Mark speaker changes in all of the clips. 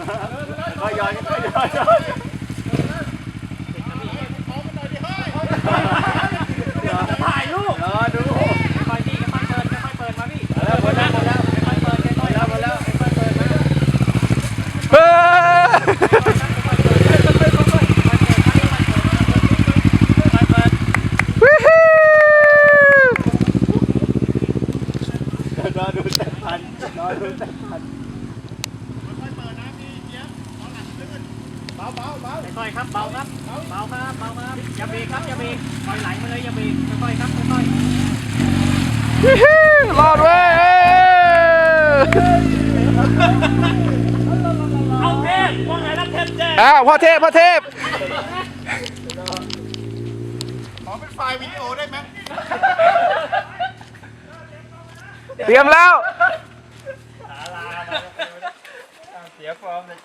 Speaker 1: ก็ย้อนถ่ายรูปดูค่อยพี่ค่อยเปิดมาพี่หมดแล้วค่อยเปิดหมดแล้วค่อยเปิดรอดูแต่พันค่อยครับเบาครับอย่าเบรกครับปล่อยไหลมาเลยอย่าเบรกค่อยครับค่อย
Speaker 2: รอดเว้ย
Speaker 1: เอาเทพว่าไงนะเทพแจ้
Speaker 2: พ่อเทพ
Speaker 3: ขอเป็นไฟล์วิดีโอได้ไหม
Speaker 2: เตรียมแล้ว
Speaker 1: เสียฟอร์มเลย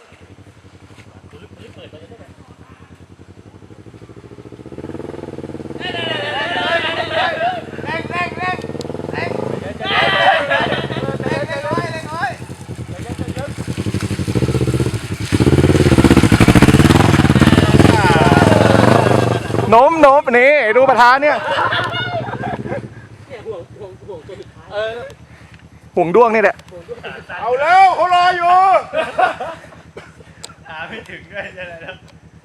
Speaker 2: โน้มนี่ดูประธานเนี่ยห่วงด้วงนี่แหละ
Speaker 3: เอาแล้วเขารออยู่
Speaker 1: ไม่ถึงด้วยใช่ไหมครับ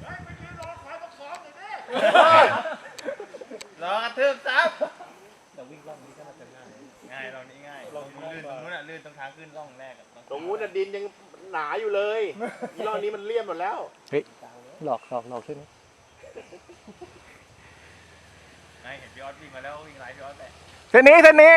Speaker 1: รอกระทืบซับเราวิ่งล่องนี้ก็น่าจะง่ายเรานี่ง่ายลงลื่นตรงนู้นลื่นตรงทางขึ้นล่องแรก
Speaker 3: ตรงนู้นดินยังหนาอยู่เลยรอบนี้มันเลี่ยมหมดแล้ว
Speaker 2: เฮ้ยหลอกใช่ไหม
Speaker 1: ไม่เห็นพี่ออสวิ่งมาแล้ววิ่งไล่พี่ออสแต่
Speaker 2: เส้นนี้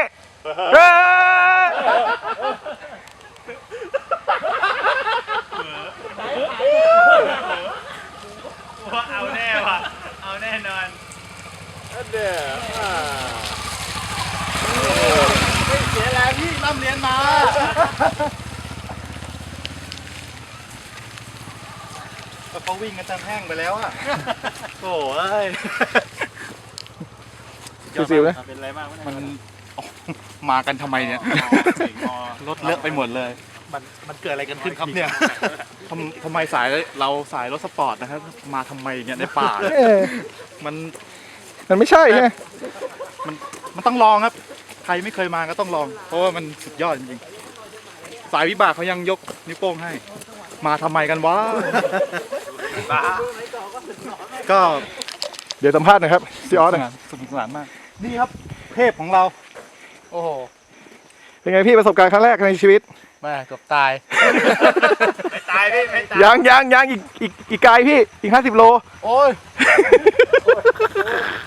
Speaker 1: ว่าเอาแน่ว่ะเอาแน่นอน
Speaker 3: เดี๋ยวไม่เสียแรงที่ร่ำเรียนมาเขาวิ่งกันจนแห้งไปแล้วอ่ะโอ้ย
Speaker 2: ซิวๆนะ
Speaker 1: เป็นไรมาก
Speaker 3: มันมากันทำไมเนี่ยรถเลอะไปหมดเลยมันเกิดอะไรกันขึ้นครับเนี่ยทำไมเราสายรถสปอร์ตนะครับมาทำไมเนี่ยในป่า
Speaker 2: มันไม่ใช่ไง
Speaker 3: มันต้องลองครับใครไม่เคยมาก็ต้องลองเพราะว่ามันสุดยอดจริงๆสายวิบากเขายังยกนิ้วโป้งให้มาทำไมกันวะก็
Speaker 2: เดี๋ยวสัมภาษณ์หน่อยครับพี่ออส
Speaker 3: สนุกสนานมากนี่ครับเทพของเราโอ้โห
Speaker 2: เป็นไงพี่ประสบการณ์ครั้งแรกในชีวิต
Speaker 3: มาเกือบตาย
Speaker 1: ไม่ตายพี่ไม่ตาย
Speaker 2: ยังอีกไกลพี่อีก50 โล
Speaker 3: โอ้ย